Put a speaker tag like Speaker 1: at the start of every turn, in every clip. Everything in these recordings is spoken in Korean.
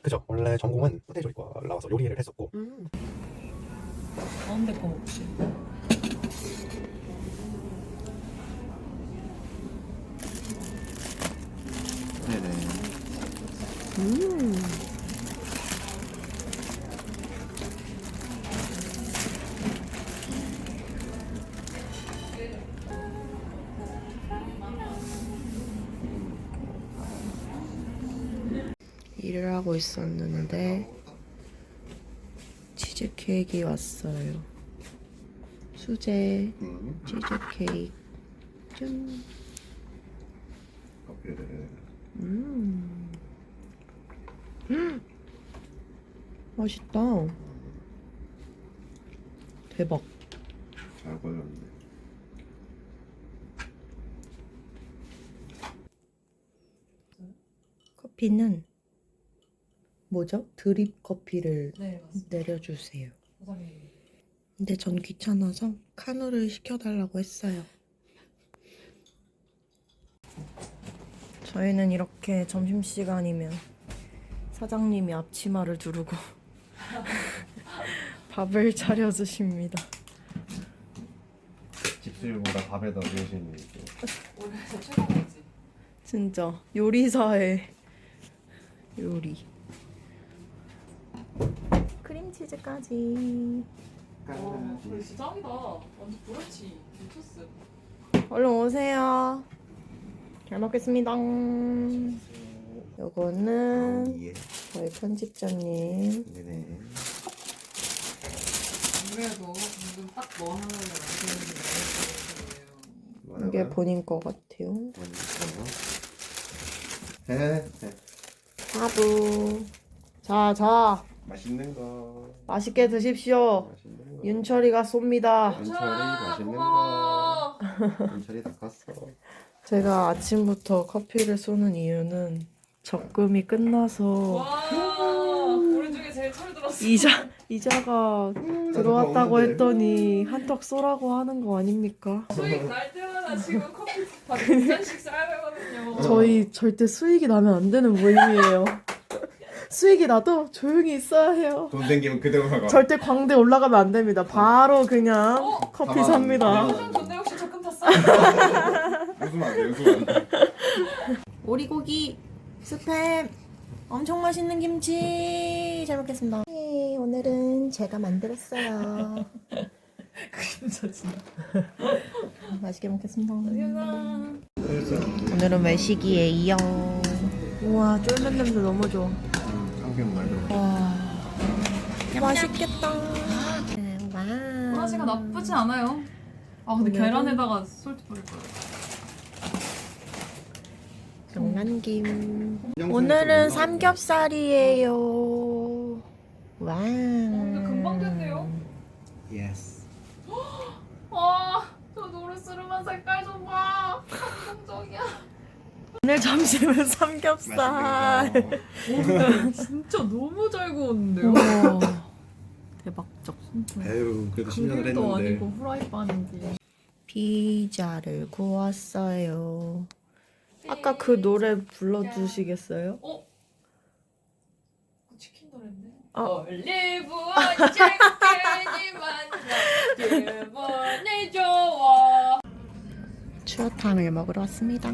Speaker 1: 그죠. 원래 전공은 호텔조리과 나와서 요리를 했었고.
Speaker 2: 가운데 거 혹시?
Speaker 1: 네네.
Speaker 3: 일을 하고 있었는데 치즈 케이크가 왔어요. 수제 치즈 케이크. 짠.
Speaker 1: 커피를.
Speaker 3: 맛있다. 대박.
Speaker 1: 잘 걸렸네.
Speaker 3: 커피는 뭐죠? 드립 커피를
Speaker 2: 네 맞습니다.
Speaker 3: 내려주세요.
Speaker 2: 사장님.
Speaker 3: 근데 전 귀찮아서 카누를 시켜달라고 했어요. 저희는 이렇게 점심시간이면 사장님이 앞치마를 두르고 밥을 차려주십니다.
Speaker 1: 집수일보다 밥에 더 관심이 있고.
Speaker 2: 올해서 최고지.
Speaker 3: 진짜 요리사의 요리. 크림치즈까지.
Speaker 2: 와, 그래 진짜 짱이다. 완전 브런치 미쳤어.
Speaker 3: 얼른 오세요. 잘 먹겠습니다. 요거는
Speaker 1: 예.
Speaker 3: 저희 편집자님.
Speaker 1: 네네.
Speaker 2: 안 그래도 방금 딱 너 하나를 만드는 게
Speaker 3: 이게 본인 거 같아요.
Speaker 1: 네.
Speaker 3: 사부. 자.
Speaker 1: 맛있는 거.
Speaker 3: 맛있게 드십시오.
Speaker 1: 맛있는 거.
Speaker 3: 윤철이가 쏩니다.
Speaker 1: 윤철이 맛있는
Speaker 2: 고마워.
Speaker 1: 거. 윤철이 다 컸어.
Speaker 3: 제가 아침부터 커피를 쏘는 이유는 적금이 끝나서
Speaker 2: 와, 우리 중에 제일 철들었어.
Speaker 3: 이자가 들어왔다고 했더니 한턱 쏘라고 하는 거 아닙니까?
Speaker 2: 수익 날 때마다 지금 커피 한 잔씩 싸야 되거든요.
Speaker 3: 저희 절대 수익이 나면 안 되는 모임이에요. 수익이 나도 조용히 있어야 해요.
Speaker 1: 돈 생기면 그대로 나가.
Speaker 3: 절대 광대 올라가면 안 됩니다. 바로 그냥 커피
Speaker 1: 가만.
Speaker 3: 삽니다.
Speaker 2: 요즘 근데 혹시 적금 탔어?
Speaker 1: 웃으면 안 돼. 웃으면 안 돼.
Speaker 3: 오리고기 스팸 엄청 맛있는 김치 잘 먹겠습니다. 네, 오늘은 제가 만들었어요.
Speaker 2: 그림 사진.
Speaker 3: 맛있게 먹겠습니다.
Speaker 2: 안녕.
Speaker 3: 오늘은 외식이에요. 우와 쫄면 냄새 너무 좋아.
Speaker 1: 참기름 많이 들어.
Speaker 3: 와 맛있겠다.
Speaker 2: 하나시가 나쁘지 않아요. 아 근데
Speaker 3: 오늘은-
Speaker 2: 계란에다가 솔트 뿌릴 거예요.
Speaker 3: 장난김. 오늘은 삼겹살이에요. 와.
Speaker 2: 근데 금방 됐네요.
Speaker 1: 예스.
Speaker 2: 저 노르스름한 색깔 좀 봐. 감동적이야.
Speaker 3: 오늘 점심은 삼겹살.
Speaker 2: 진짜 너무 잘 구웠는데요?
Speaker 3: 우와. 대박적.
Speaker 1: 에휴 그래도 10년을
Speaker 2: 그릴도
Speaker 1: 했는데.
Speaker 2: 아니고 후라이팬인데.
Speaker 3: 피자를 구웠어요. 아까 그 노래 불러주시겠어요?
Speaker 2: 치킨 노래인데?
Speaker 3: 어.
Speaker 2: 올리브 언제까지만 기분이 좋아.
Speaker 3: 추어탕을 먹으러 왔습니다.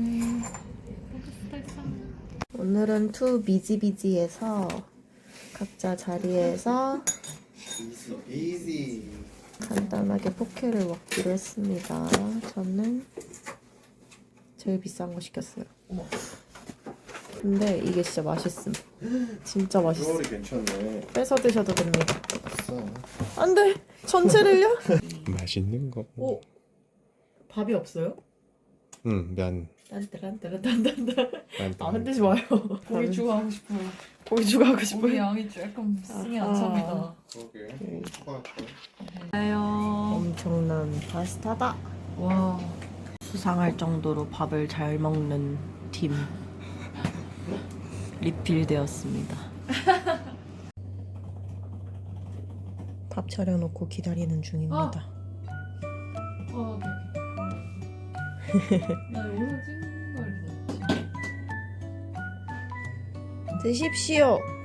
Speaker 3: 오늘은 투 비지비지에서 각자 자리에서
Speaker 1: 이지.
Speaker 3: 간단하게 포케를 먹기로 했습니다. 저는 제일 비싼 거 시켰어요.
Speaker 2: 어머.
Speaker 3: 근데 이게 진짜 맛있음. 진짜 맛있어.
Speaker 1: 롤이 괜찮네.
Speaker 3: 뺏어 드셔도 됩니다.
Speaker 1: 있어.
Speaker 3: 안 돼! 전체를요?
Speaker 1: 맛있는 거.
Speaker 2: 오.
Speaker 3: 밥이 없어요?
Speaker 1: 응, 면.
Speaker 3: 딴따란따란딴딴딴. 아, 흔들지 마요.
Speaker 2: 고기 추가하고 싶어요.
Speaker 3: 고기 추가하고
Speaker 2: 고기
Speaker 3: 싶어요.
Speaker 2: 양이 조금 승이 안
Speaker 3: 아하.
Speaker 2: 찹니다.
Speaker 1: 그러게. 추가할까?
Speaker 2: 아요.
Speaker 3: 엄청난 파스타다.
Speaker 2: 와.
Speaker 3: 수상할 정도로 밥을 잘 먹는 팀. 리필되었습니다. 밥 차려놓고 기다리는 중입니다.
Speaker 2: 오케이. 나 이거 찍는 걸 기다렸지.
Speaker 3: 드십시오.